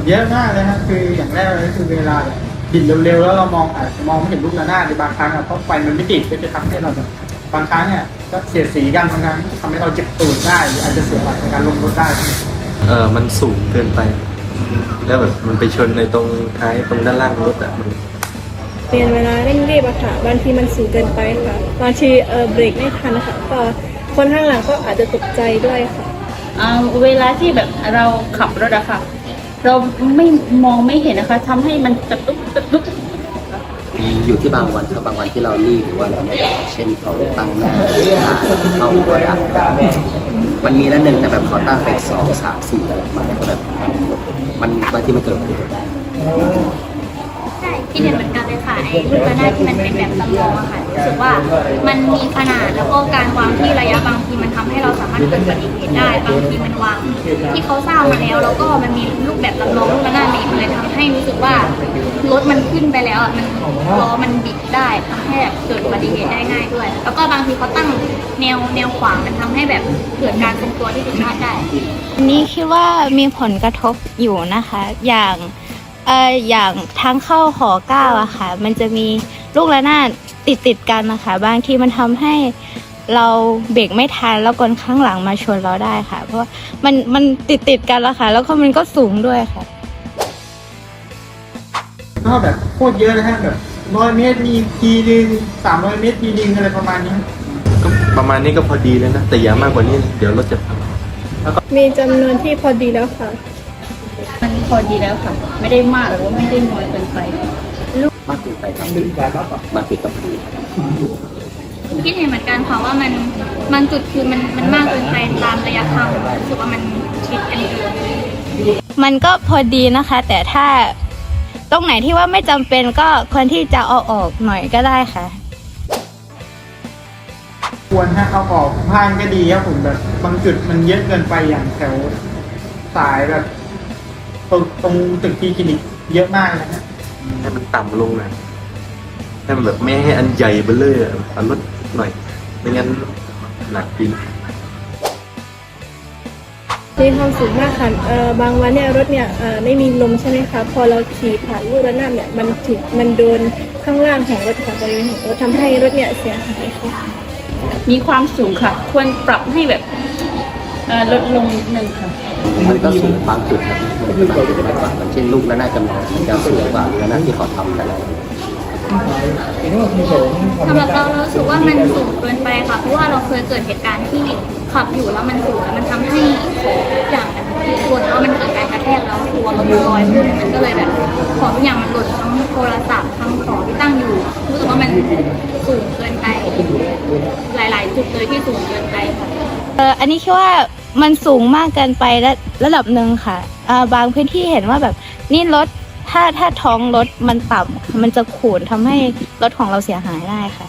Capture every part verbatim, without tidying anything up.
เยอะมากเลยครับคืออย่างแรกเลยคือเวลาแบบบินเร็วๆแล้วเรามองอาจจะมองไม่เห็นลูกระนาดในบางครั้งอะเพราะไฟมันไม่ติดก็จะทำให้เราแบบบางครั้งเนี่ยก็เสียดสีกันบางครั้งทำให้เราเจ็บตูดได้หรืออาจจะเสียหลักในการลงรถได้เออมันสูงเกินไปแล้วแบบมันไปชนในตรงท้ายตรงด้านล่างรถอะมันเปลี่ยนเวลาเร่งรีบอะค่ะบางทีมันสูงเกินไปค่ะบางทีเออเบรกไม่ทันค่ะก็คนข้างหลังก็อาจจะตกใจด้วยค่ะเวลาที่แบบเราขับรถอะค่ะเราไม่มองไม่เห็นนะคะทำให้มันกระตุกกระตุกมีอยู่ที่บางวันครับบางวันที่เรารีบหรือว่าเราไม่ได้เช่นเขาตั้งหน้าเข้าก็ดักมันมีแล้วหนึ่งแต่แบบเขาตั้งไปสองสามสี่อะไรมาแล้วก็แบบมันบางที่มันเกิดขึ้นได้ใช่ที่เห็นเหมือนกันเลยค่ะไอ้ลูกระนาดที่มันเป็นแบบจำลองอะค่ะรู้สึกว่ามันมีขนาดแล้วก็การวางที่ระยะบางทีมันทำให้เราสามารถเกิดอุบัติเหตุได้บางทีมันวางที่เขาสร้างมาแล้วแล้วก็มันมีรูปแบบจำลองลูกระนาดนี้มันเลยทำให้รู้สึกว่ารถมันขึ้นไปแล้วอะมันล้อมันบิดได้ทำให้แบบเกิดอุบัติเหตุได้ง่ายด้วยแล้วก็บางทีเขาตั้งแนวแนวขวางมันทำให้แบบเกิดการทรงตัวที่ผิดพลาดได้นี่คิดว่ามีผลกระทบอยู่นะคะอย่างเอ่ออย่างทางเข้าหอเก้าอะค่ะมันจะมีลูกระนาดติดติดกันนะคะบางทีมันทำให้เราเบรกไม่ทันแล้วคนข้างหลังมาชนเราได้ค่ะเพราะว่ามันมันติดติดกันแล้วค่ะแล้วก็มันก็สูงด้วยค่ะก็แบบโคตรเยอะนะฮะแบบร้อยเมตรมีทีนึงสามร้อยเมตรทีนึงอะไรประมาณนี้ก็ประมาณนี้ก็พอดีแล้วนะแต่อย่ามากกว่านี้เดี๋ยวรถจะพังมีจำนวนที่พอดีแล้วค่ะมันพอดีแล้วค่ะไม่ได้มากหรือว่าไม่ได้น้อยเกินไปมากเกินไปครับมากเกินกับพื้นคิดเห็นเหมือนกันค่ะว่ามันมันจุดคือมันมันมากเกินไปตามระยะทางรู้สึกว่ามันชิดกันเกินมันก็พอดีนะคะแต่ถ้าตรงไหนที่ว่าไม่จำเป็นก็ควรที่จะเอาออกหน่อยก็ได้ค่ะควรถ้าเอาออกพานก็ดีครับผมแบบบางจุดมันเยอะเกินไปอย่างแถวสายแบบตรงตรงตึกที่คลินิกเยอะมากนะฮะให้มันต่ำลงหน่อยให้มันแบบไม่ให้อันใหญ่เบ้อเลยเอาลดหน่อยไม่งั้นหนักจริงมีความสูงมากค่ะเอ่อบางวันเนี่ยรถเนี่ยเอ่อไม่มีลมใช่ไหมคะพอเราขี่ผ่านลูกระนาดเนี่ยมันถูกมันโดนข้างล่างของรถของบริเวณของรถทำให้รถเนี่ยเสียหายค่ะมีความสูงค่ะควรปรับให้แบบลดลงนิดนึงค่ะมันก็สูงบางจุดครับมันก็สูงมากกว่าเช่นลูกระนาดจำลองมันจะสูงกว่าระนาดที่เขาทำแต่ละสำหรับเราเราสึกว่ามันสูงเกินไปค่ะเพราะว่าเราเคยเกิดเหตุการณ์ที่ขับอยู่แล้วมันสูงแล้วมันทำให้ของทุกอย่างมันหล่นแล้วมันเกิดการกระแทกแล้วตัวรถลอยขึ้นมันก็เลยแบบของทุกอย่างมันหล่นทั้งโทรศัพท์ทั้งของที่ตั้งอยู่รู้สึกว่ามันสูงเกินไปหลายๆจุดเลยที่สูงเกินไปค่ะเอออันนี้คิดว่ามันสูงมากเกินไประระดับหนึ่งค่ะอ่าบางพื้นที่เห็นว่าแบบนี่รถถ้าถ้าท้องรถมันต่ำมันจะขูดทำให้รถของเราเสียหายได้ค่ะ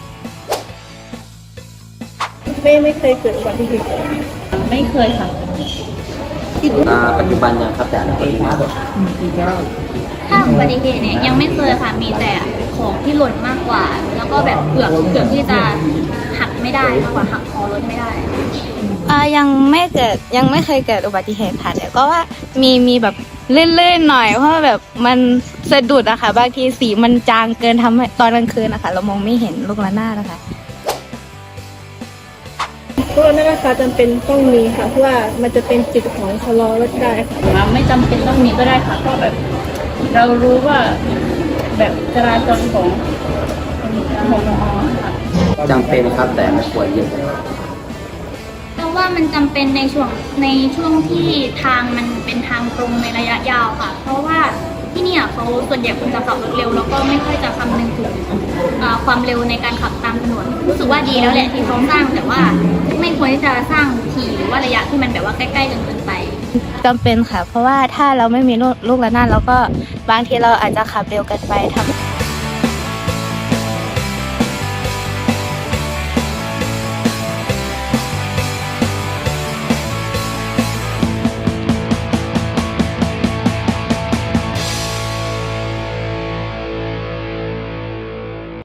ไม่ไม่เคยเกิดอุบัติเหตุไม่เคยค่ะปัจจุบันยังครับแต่อนาคตมากถ้าอุบัติเหตุเนี่ยยังไม่เคยค่ะมีแต่ของที่หล่นมากกว่าแล้วก็แบบเกือบเกือบที่จะหักไม่ได้มากกว่าหักคอรถไม่ได้อ่ายังไม่เกิดยังไม่เคยเกิดอุบัติเหตุค่ะแต่ก็ว่ามีมีแบบลื่นๆหน่อยเพราะว่าแบบมันสะดุดอะค่ะบางทีสีมันจางเกินทำให้ตอนกลางคืนนะคะเรามองไม่เห็นลูกระนาดนะคะพวกนั้นนะคะจำเป็นต้องมีค่ะเพราะว่ามันจะเป็นจุดของชะลอรถได้ค่ะไม่จำเป็นต้องมีก็ได้ค่ะเพราะแบบเรารู้ว่าแบบจราจรของของมอค่ะจำเป็นครับแต่ไม่ควรเยอะแต่ว่ามันจำเป็นในช่วงในช่วงที่ทางมันเป็นทางตรงในระยะยาวค่ะเพราะว่าที่นี่เขาส่วนใหญ่คนจะขับรถเร็วแล้วก็ไม่ค่อยจะคำนึงถึงความเร็วในการขับตามถนนรู้สึกว่าดีแล้วแหละที่เขาสร้างแต่ว่าไม่ควรที่จะสร้างถี่หรือว่าระยะที่มันแบบว่าใกล้ๆจนเกินไปจำเป็นค่ะเพราะว่าถ้าเราไม่มีลูกระนาดแล้วก็บางทีเราอาจจะขับเร็วเกินไปทำ